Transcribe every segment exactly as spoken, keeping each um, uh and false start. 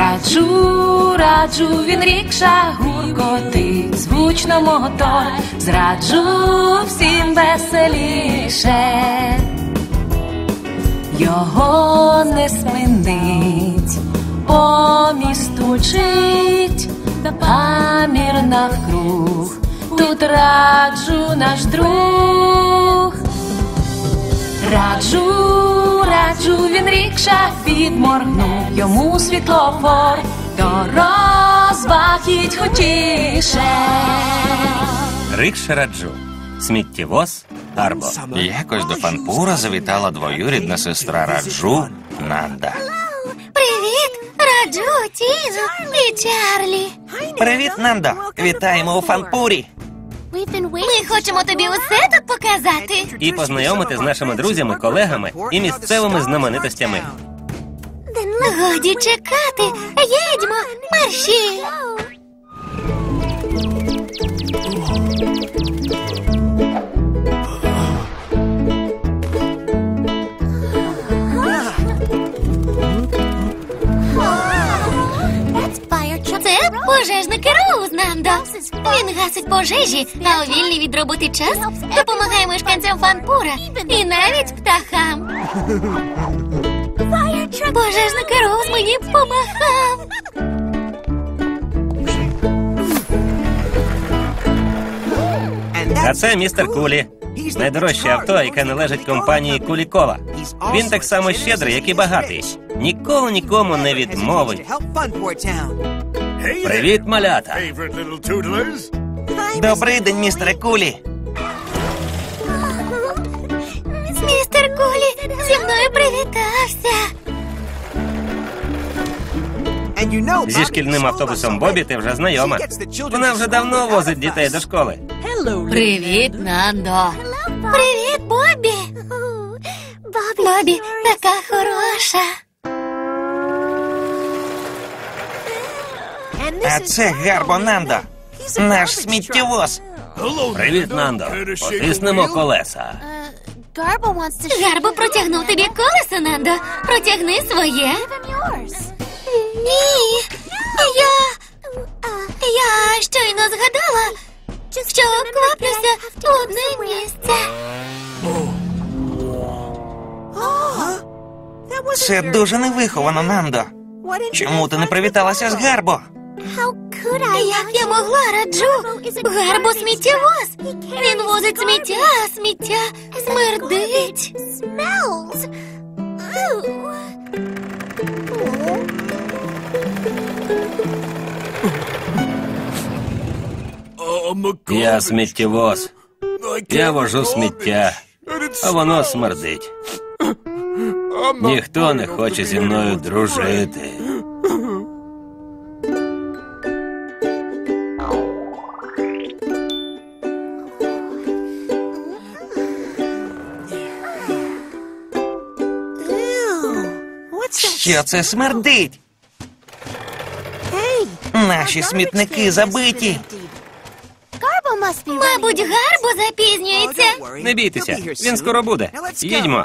Раджу, раджу, він рікша гуркотить, звучно мотор, зраджу всім веселіше. Його не спинить, по місту мчить, гамір навкруг, тут раджу наш друг. Раджу, раджу, він рікша підморгнув, йому світлофор, до розваг їдь хутіше. Рикша раджу. Сміттєвоз Гарбо. Якось до Фанпура завітала двоюрідна сестра Раджу Нанда. Привіт, Раджу, Тізо і Чарлі. Привіт, Нандо. Вітаємо у Фанпурі. Ми хочемо тобі усе тут показати. І познайомити з нашими друзями, колегами і місцевими знаменитостями. Годі чекати. Їдьмо, марші. Це пожежники Роуз, Нандо. Він гасить пожежі, а у вільний від роботи час допомагає мешканцям Фанпура і навіть птахам. Пожежник Роуз мені помахав. А це містер Кулі. Найдорожче авто, яке належить компанії Кулікова. Він так само щедрий, як і багатий. Ніколи нікому не відмовить. Привіт, малята! Добрий день, містере Кулі. Містер Кулі зі мною привітався. Зі шкільним автобусом Бобі ти вже знайома. Вона вже давно возить дітей до школи. Привіт, Нандо. Привіт, Бобі. Бобі така хороша. А це Гарбо Нандо, наш сміттєвоз. Привіт, Нандо. Потиснемо колеса. Гарбо протягнув тобі колесо, Нандо. Протягни своє. Ні, я... Я щойно згадала, що кваплюся в одне місце. Це дуже невиховано, Нандо. Чому ти не привіталася з Гарбо? Як я могла, Раджу? Гарбо сміттєвоз. Він возить сміття, а сміття смердить. Я сміттєвоз. Я вожу сміття, а воно смердить. Ніхто не хоче зі мною дружити. Що це смердить? Наші смітники забиті. Мабуть, Гарбо запізнюється. Не бійтеся, він скоро буде. Їдьмо.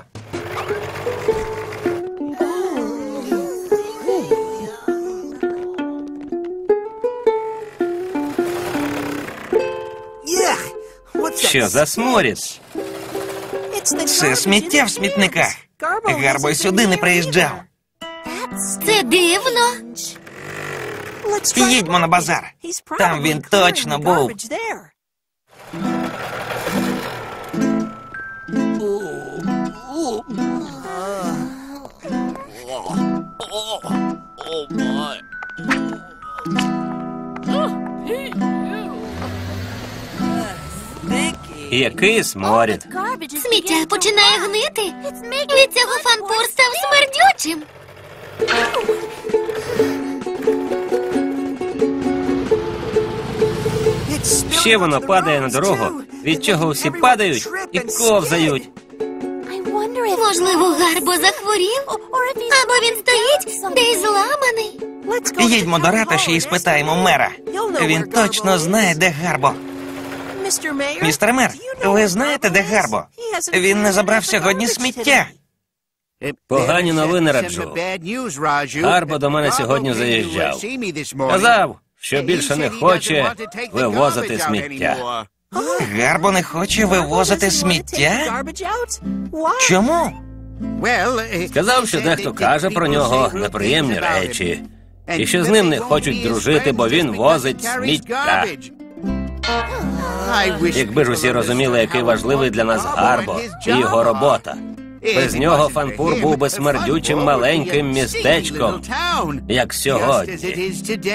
Що за сморід? Це сміття в смітниках. Гарбо й сюди не приїжджав. Це дивно. Їдьмо на базар. Там він точно був. Який сморід. Сміття починає гнити. Від цього Фанпур став смердючим. Ще воно падає на дорогу, від чого всі падають і ковзають. Можливо, Гарбо захворів? Або він стоїть десь зламаний. Їдьмо до ратуші і спитаємо мера. Він точно знає, де Гарбо. Містер мер, ви знаєте, де Гарбо? Він не забрав сьогодні сміття. Погані новини, Раджу. Гарбо до мене сьогодні заїжджав. Казав, що більше не хоче вивозити сміття. Гарбо не хоче вивозити сміття? Чому? Сказав, що дехто каже про нього неприємні речі. І що з ним не хочуть дружити, бо він возить сміття. Якби ж усі розуміли, який важливий для нас Гарбо і його робота. Без нього Фанпур був би смердючим маленьким містечком, як сьогодні.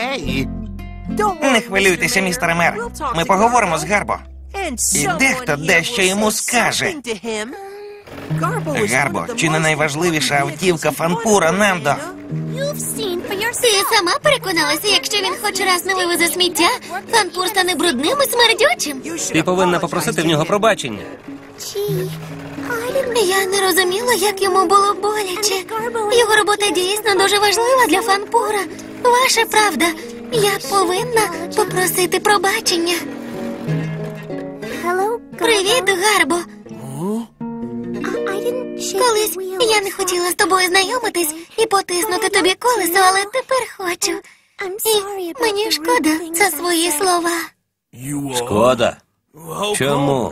Не хвилюйтеся, містере мер. Ми поговоримо з Гарбо. І дехто дещо йому скаже. Гарбо, чи не найважливіша автівка Фанпура, Нандо? Ти сама переконалася, якщо він хоч раз не вивезе сміття, Фанпур стане брудним і смердючим. Ти повинна попросити в нього пробачення. Я не розуміла, як йому було боляче. Його робота дійсно дуже важлива для Фанпура. Ваша правда. Я повинна попросити пробачення. Привіт, Гарбо. Колись я не хотіла з тобою знайомитись і потиснути тобі колесо, але тепер хочу. І мені шкода за свої слова. Шкода? Чому?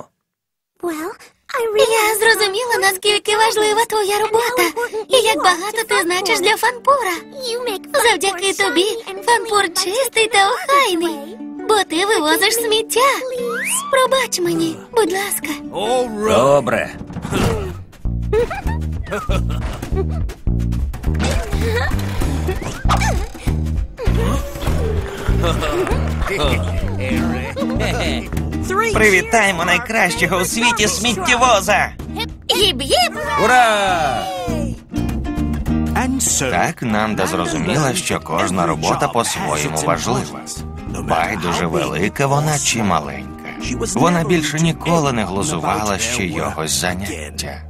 Я зрозуміла, наскільки важлива твоя робота і як багато ти значиш для Фанпура. Завдяки тобі Фанпур чистий та охайний, бо ти вивозиш сміття. Пробач мені, будь ласка. Добре. Привітаємо найкращого у світі сміттєвоза! Їб-їб! Ура! Так Нанда зрозуміла, що кожна робота по-своєму важлива. Байдуже велика вона чи маленька. Вона більше ніколи не глузувала з чийогось заняття.